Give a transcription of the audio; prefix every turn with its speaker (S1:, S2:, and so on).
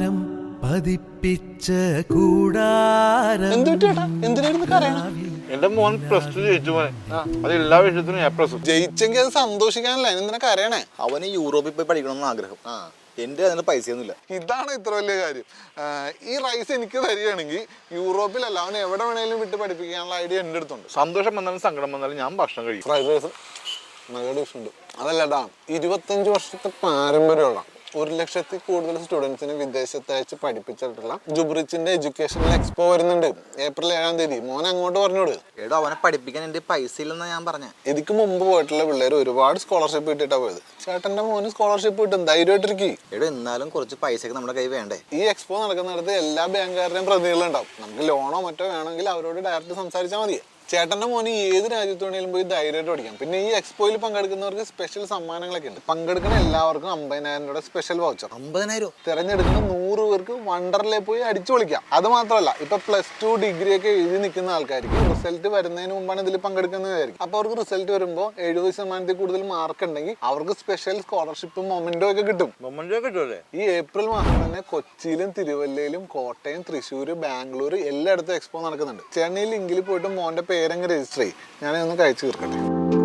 S1: താരം പതിപ്പിച്ച കൂടാരം.
S2: എന്റെ മോൻ +2 ജയിച്ചു മോനെ. അത് എല്ലാ വിഷയത്തിനും A+.
S3: ജയിച്ചെങ്കിൽ അത് സന്തോഷിക്കാനല്ല, എന്തിനൊക്കെ അറിയണേ.
S4: അവന് യൂറോപ്പിൽ പോയി പഠിക്കണമെന്ന് ആഗ്രഹം. എന്റെ അതിന് പൈസയൊന്നുമില്ല.
S3: ഇതാണ് ഇത്ര വലിയ കാര്യം. ഈ റൈസ് എനിക്ക് തരികയാണെങ്കിൽ യൂറോപ്പിലല്ല, അവൻ എവിടെ വേണേലും വിട്ട് പഠിപ്പിക്കാനുള്ള ഐഡിയ എൻ്റെ അടുത്തുണ്ട്.
S2: സന്തോഷം വന്നാലും സങ്കടം വന്നാലും ഞാൻ ഭക്ഷണം കഴിക്കും.
S3: ഫ്രൈഡ് റൈസ് നല്ല ഡിഷ് ഉണ്ട്. അതല്ലടാ, 25 വർഷത്തെ പാരമ്പര്യമുള്ള 1,00,000 കൂടുതൽ സ്റ്റുഡൻസിന് വിദേശത്ത് അയച്ച് പഠിപ്പിച്ചിട്ടുള്ള ജുബ്രിച്ചിന്റെ എഡ്യൂക്കേഷണൽ എക്സ്പോ വരുന്നുണ്ട് ഏപ്രിൽ 7-ാം തീയതി. മോനെ അങ്ങോട്ട് പറഞ്ഞോട്.
S4: എടോ, അവനെ പഠിപ്പിക്കാൻ എന്റെ പൈസ ഇല്ലെന്നാ ഞാൻ പറഞ്ഞ.
S3: ഇതിക്ക് മുമ്പ് പോയിട്ടുള്ള പിള്ളേർ ഒരുപാട് സ്കോളർഷിപ്പ് കിട്ടിയിട്ടാ പോയത്. ചേട്ടന്റെ മോന് സ്കോളർഷിപ്പ് കിട്ടും, ധൈര്യമായിട്ടിരിക്കും.
S4: എടോ, എന്നാലും കുറച്ച് പൈസയൊക്കെ നമ്മുടെ കൈ വേണ്ടേ?
S3: ഈ എക്സ്പോ നടക്കുന്നിടത്ത് എല്ലാ ബാങ്കുകാരുടെയും പ്രതിനിധികളുണ്ടാവും. നമുക്ക് ലോണോ മറ്റോ വേണമെങ്കിൽ അവരോട് ഡയറക്റ്റ് സംസാരിച്ചാൽ മതി. ചേട്ടന്റെ മോന് ഏത് രാജ്യത്ത് വേണമെങ്കിലും പോയി ധൈര്യമായിട്ട് പഠിക്കാം. പിന്നെ ഈ എക്സ്പോയിൽ പങ്കെടുക്കുന്നവർക്ക് സ്പെഷ്യൽ സമ്മാനങ്ങളൊക്കെ ഉണ്ട്. പങ്കെടുക്കുന്ന എല്ലാവർക്കും 50,000 രൂപ സ്പെഷ്യൽ വൗച്ചർ.
S4: 50,000?
S3: തിരഞ്ഞെടുക്കുന്ന 100 പേർക്ക് വണ്ടർലേ പോയി അടിച്ചു പൊളിക്കാം. അത് മാത്രമല്ല, ഇപ്പൊ +2 ഡിഗ്രി ഒക്കെ എഴുതി നിൽക്കുന്ന ആൾക്കാർക്ക് റിസൾട്ട് വരുന്നതിന് മുമ്പാണ് ഇതിൽ പങ്കെടുക്കുന്നതായിരിക്കും. അപ്പൊ അവർക്ക് റിസൾട്ട് വരുമ്പോൾ 70% കൂടുതൽ മാർക്ക് ഉണ്ടെങ്കിൽ അവർക്ക് സ്പെഷ്യൽ സ്കോളർഷിപ്പും മൊമെന്റോ ഒക്കെ കിട്ടും. ഈ ഏപ്രിൽ മാസം തന്നെ കൊച്ചിയിലും തിരുവല്ലയിലും കോട്ടയം, തൃശ്ശൂർ, ബാംഗ്ലൂർ എല്ലായിടത്തും എക്സ്പോ നടക്കുന്നുണ്ട്. ചെന്നൈ ലിങ്കിൽ പോയിട്ട് മോന്റെ പേരങ്ങ് രജിസ്റ്റർ ചെയ്യും. ഞാനൊന്ന് കഴിച്ചു തീർക്കട്ടെ.